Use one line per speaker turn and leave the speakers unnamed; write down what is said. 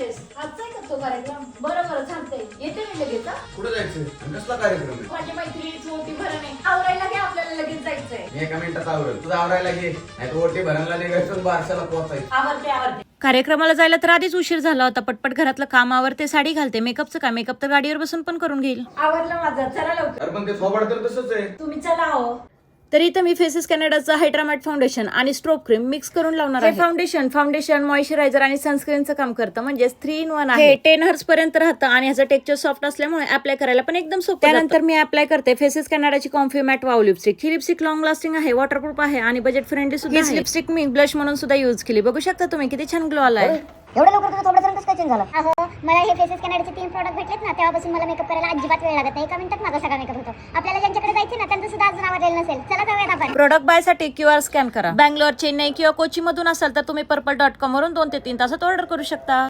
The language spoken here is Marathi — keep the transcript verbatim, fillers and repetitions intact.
म्हणतेस आजचा आहे का तो कार्यक्रम? बरं बरं चालतंय, येते मी लगेच.
कुठे जायचं? कसला कार्यक्रम आहे?
माझ्या मैत्रिणीची ओटी भरण आहे, आवरायला घे, आपल्याला लगेच जायचंय.
मी एका मिनिटात आवरेल, तुझं आवरायला घे. नाही तर ओटी भरणला निघायचं बारशाला पोहोचायचं.
आवरते आवरते.
कार्यक्रमाला जायला तर आधीच उशीर झाला होता. पटपट घरातलं काम आवरते, साडी घालते. मेकअपचं काय, मेकअप तर गाडीवर बसून पण करून घेईल.
आवरलं माझं, चला लवकर.
अरे पण ते थोबाड तर तसंच आहे.
तुम्ही चला हो.
तर इथं मी फेसेस कॅनडाचं हायड्रामॅट फाउंडेशन आणि स्ट्रोब क्रीम मिक्स करून लावणार आहे. फाउंडेशन फाउंडेशन मॉइश्चरायझर आणि सनस्क्रीनचं काम करतं, म्हणजे थ्री इन वन आहे. टेन हर्स पर्यंत राहतं आणि ह्याचं टेक्स्चर सॉफ्ट असल्यामुळे अप्लाय करायला पण एकदम सोपं. त्यानंतर मी अप्लाय करते फेसेस कॅनडाची कॉम्फी मॅट वाव लिपस्टिक. ही लिपस्टिक लॉंग लास्टिंग आहे, वॉटरप्रूफ आहे आणि बजेट फ्रेंडली सुद्धा आहे. लिपस्टिक मी ब्लश म्हणून सुद्धा युज केली. बघू शकता तुम्ही किती छान ग्लो आलाय.
एवढं लवकर तुझं थोडं कसं काय चेंज झालं? अहो मला हे फेसेस कॅनडाचे तीन प्रॉडक्ट भेटलेत ना, तेव्हापासून मला मेकअप करायला अजिबात वेळ लागत नाही. एका मिनिटात माझा सगळा मेकअप होतो. आपल्याला ज्यांच्याकडे जायचं ना त्यांचं सुद्धा अजून आवडलेलं नसेल. चला जाऊयात आपण.
प्रोडक्ट बाय साठी क्यू आर स्कॅन करा. बँगलोर, चेन्नई किंवा कोची मधून असाल तर तुम्ही पर्पल डॉट कॉम वरून दोन ते तीन तासात ऑर्डर करू शकता.